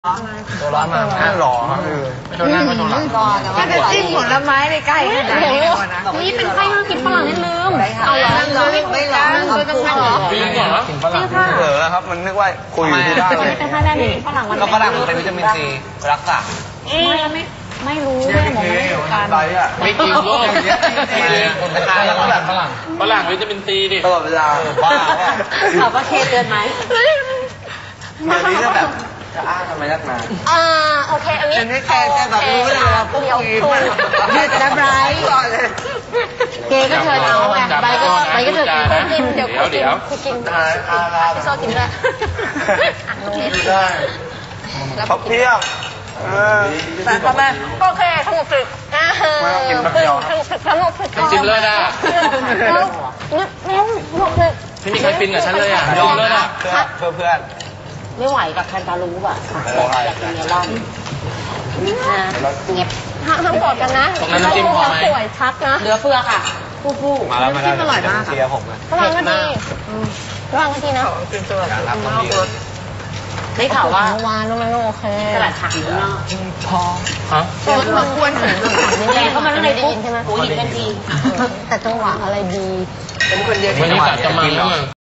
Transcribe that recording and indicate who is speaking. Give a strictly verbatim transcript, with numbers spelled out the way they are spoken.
Speaker 1: ตัวร้อนมาหน้าหล่อครับคือไม่ตัวหน้าก็ตัวหลัง
Speaker 2: ถ้าจะจิ้มผลไม้ในใกล้ขนาดนี้นะ
Speaker 3: นี่เป็นไข้ห้ามกินฝรั่งนิดลืม
Speaker 2: เอาเหรอไม่ร้อนเขาต้องเหรอ
Speaker 1: จริงเหรอกินฝรั่งเหรอครับมันนึกว่าคุยอยู่ที่บ้านเลย
Speaker 3: เป็นไข้แบบนี้ฝรั่งมัน
Speaker 1: ก็ฝรั่งมันเป็นวิตามินซีรักษา
Speaker 3: ไม่ไม่ไม่รู้แม่บอกไม่รู้กัน
Speaker 4: ไม่กินโลก
Speaker 1: คนทานแล้วก็แบบฝรั่ง
Speaker 4: ฝรั่งวิตามินซีดิ
Speaker 1: ตลอดเวลาบ้า
Speaker 3: ถามว่าเคเตือนไหม
Speaker 1: เดี๋ยวนี้ก็แบบจะอ้าทำไมนักหนา
Speaker 3: อ่าโอเคอันนี้
Speaker 2: อันนี้แกจะแบบรู้เลยว่า
Speaker 3: เดี๋ยวคุณ
Speaker 2: ยืดจะไบรท์
Speaker 3: เกก็เชิญเอาไงใบก็ใบก็เชิญกินเดี๋ยวคุณกินคุณกิน
Speaker 1: อาลา
Speaker 3: พี่โซกินด้วย
Speaker 1: ได้เขาเพี้ยวเออ
Speaker 3: แต่ทำไมโอเคสงบสึกอ่าเฮ้ยสงบสึก
Speaker 4: จิ้มเลยนะ
Speaker 3: แล้วแล้วสงบสึก
Speaker 4: ไม่มีใครฟินกับฉันเลยอ่ะยอมเลยนะ
Speaker 1: เพื่อเพื่อน
Speaker 3: ไม่ไหวกับแคนตาลูปอ่ะอยากกินเมลอนนะเงียบทั้งหมดกันนะสวยชัดนะเหลือเฟือค่ะฟูฟู
Speaker 1: มาแล้วมาแล้วอร่อยมากเชียร์ผมเลย
Speaker 3: ระวังก็ดีระวังก็ดีนะ
Speaker 1: การรับความดี
Speaker 3: ได้ข่าวว่าวานนู้นโอเคตลาดผักอยู่นอก
Speaker 2: พอ
Speaker 4: ฮะ
Speaker 2: มันควรถึง
Speaker 3: แกเข้ามาในได้ยินใช่ไหมโอ้ยยินกันทีแต่จังหวะอะไรดี
Speaker 2: เป็นคนเดียว
Speaker 4: วันนี้กะจะมาแล้ว